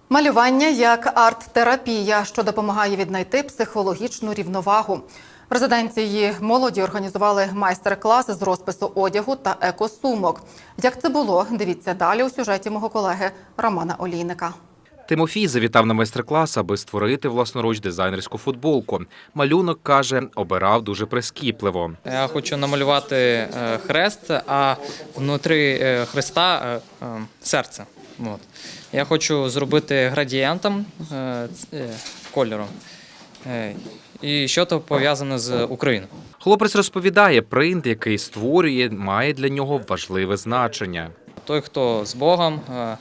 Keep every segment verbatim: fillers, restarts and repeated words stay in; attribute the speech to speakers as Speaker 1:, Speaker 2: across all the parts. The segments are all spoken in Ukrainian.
Speaker 1: Малювання як арт-терапія, що допомагає віднайти психологічну рівновагу. В резиденції молоді організували майстер-класи з розпису одягу та екосумок. Як це було, дивіться далі у сюжеті мого колеги Романа Олійника.
Speaker 2: Тимофій завітав на майстер-клас, аби створити власноруч дизайнерську футболку. Малюнок, каже, обирав дуже прискіпливо.
Speaker 3: Я хочу намалювати хрест, а внутрі хреста серце. От. Я хочу зробити градієнтом кольором. І що то пов'язане з Україною.
Speaker 2: Хлопець розповідає, принт, який створює, має для нього важливе значення.
Speaker 3: Той, хто з Богом,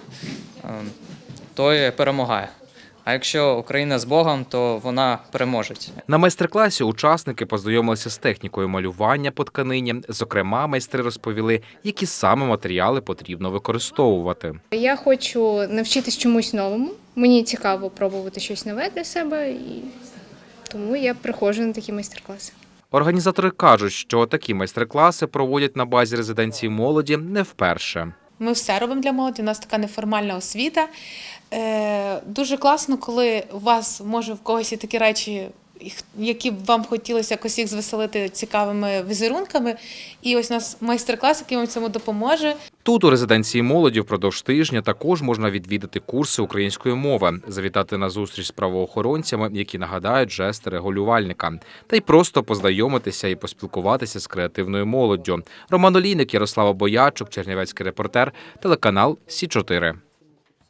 Speaker 3: той перемагає. А якщо Україна з Богом, то вона переможе.
Speaker 2: На майстер-класі учасники познайомилися з технікою малювання по тканині. Зокрема, майстри розповіли, які саме матеріали потрібно використовувати.
Speaker 4: Я хочу навчитись чомусь новому. Мені цікаво пробувати щось нове для себе, і тому я приходжу на такі майстер-класи.
Speaker 2: Організатори кажуть, що такі майстер-класи проводять на базі резиденції молоді не вперше.
Speaker 5: Ми все робимо для молоді, у нас така неформальна освіта. Е, дуже класно, коли у вас, може, в когось є такі речі, які б вам хотілося якось їх звеселити цікавими візерунками. І ось у нас майстер-клас, який вам цьому допоможе.
Speaker 2: Тут у резиденції молоді впродовж тижня також можна відвідати курси української мови, завітати на зустріч з правоохоронцями, які нагадають жести регулювальника, та й просто познайомитися і поспілкуватися з креативною молоддю. Роман Олійник, Ярослава Боячук, Чернівецький репортер, телеканал Сі чотири.